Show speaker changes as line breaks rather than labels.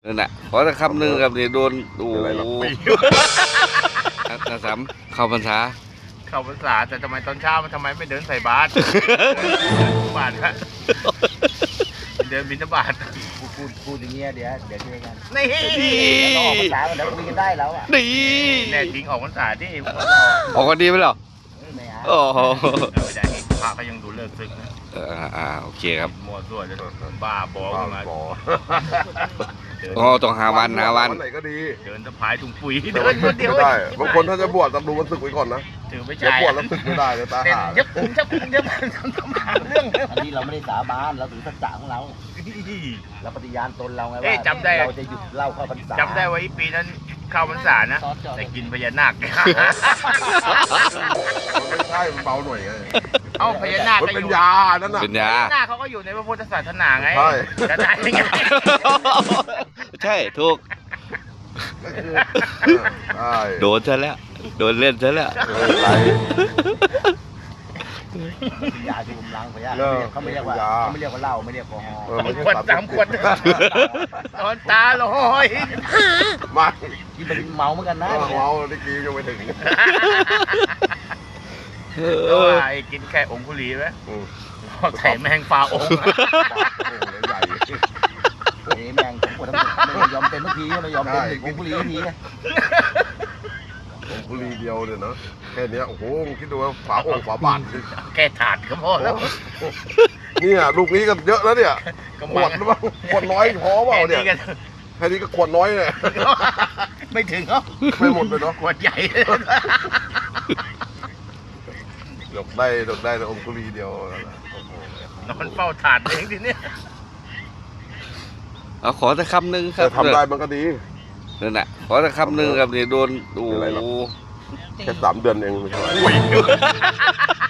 นั่นน่ะขอสักคำหนึ่งครับนี่โดนโอ้โหกระสำเข้าพรรษา
เข้าพรรษาแต่ทำไมตอนเช้ามันทำไมไม่เดินใส่บาตร บาตรครับเดินบิณฑบาต
พูดอย่างเงี้ยเดี๋ยวเจอกัน
นี่
เราออกภาษาเดี๋ยวคุยกันได้แล้วอ่ะ
นี่
แน่จริงออกพรรษาที่
ออกกันดีไหมเหรอ
ไม่เอา
โอ้โห
ไม่ได้พระเขายังดูเลิกซึกนะ
โอเคครับ
มัวซั่วจะบ้าบอขึ้นมา
โอ้ต้องหาวัน
ไหนก็ดี
เดินสะพายถุงปุ๋ยเดินคนเดียว
ไม่ได้บางคนถ้าจะบวชต้องดูวันศึกไว้ก่อนนะ
ถือไม่
เดี๋ยว
ใช่
บวชแล้วศึกไม่ได้เลยตา
เต้น
หา
ยับผมยับผมยับทำหาเรื่อง
อันนี้เราไม่ได้สาบานเราถือสัจจะของเราเราปฏิญาณตนเราไงว่าเราจะหยุดเล่าเข้าพรรษา
จำได้ว่าอีปีนั้นเข้าพรรษานะแต่กินพญานาค
มันไม่ใช่มันเบาหน่อยไง
เอ้าพญานาค
มัน
ก็อ
เป็น
ยู่
ยานั่นน่ะ
เป็น
พ
ยา
ญานาคเขาก็อยู่ในพระพุทธศาสนาไง
ใช่
จะได้ไง
ใช่ถูก
ใช่
โดนซะแล้วโดนเล่นซะแล้ว
ไร
ยาชูกำลังพยาเขาไม่เรียกว่าเหล้าไม่เรียกแอลกอฮอล์
ไม่ใช่
ขวดสามขวดตอนตาลอย
ไม่
ที่เป็นเมาเหมือนกันนะ
เมาได้กี้ยังไม่ถึง
ก็ว่าไอ้กินแค่องคุลีไหมใส่แมงปลาองค์
ใหญ่
แม่งผมปวดทั้งหมดไม่ยอมเป็นทุกทีไม่ยอมเป็นผมกุลีทุกที
องคุลีเดียวเนี่ยนะแค่นี้โอ้โหคิดดูว่าฝาองค์ฝาบาท
แค่ถาดก็พอแล้ว
เนี่ยลูกนี้ก็เยอะแล้วเนี่ยขวดหรือเปล่าขวดน้อยพอเปล่าเนี่ยแค่นี้ก็ขวดน้อยเลย
ไม่ถึงเหรอ
ไม่หมดเลยเนาะ
ขวดใหญ่
ดอกได้แต่องคุลีเดียวน
อนเฝ้าถาดเองทีเนี้ย
เอาขอสักคำหนึ่งครั
แต่
บ
ทำได้มันก็ดี
นั่นน่ะขอสักคำหนึ่งครับนี่โดนโอ้โห
แค่3 เดือนเองไม่ใช่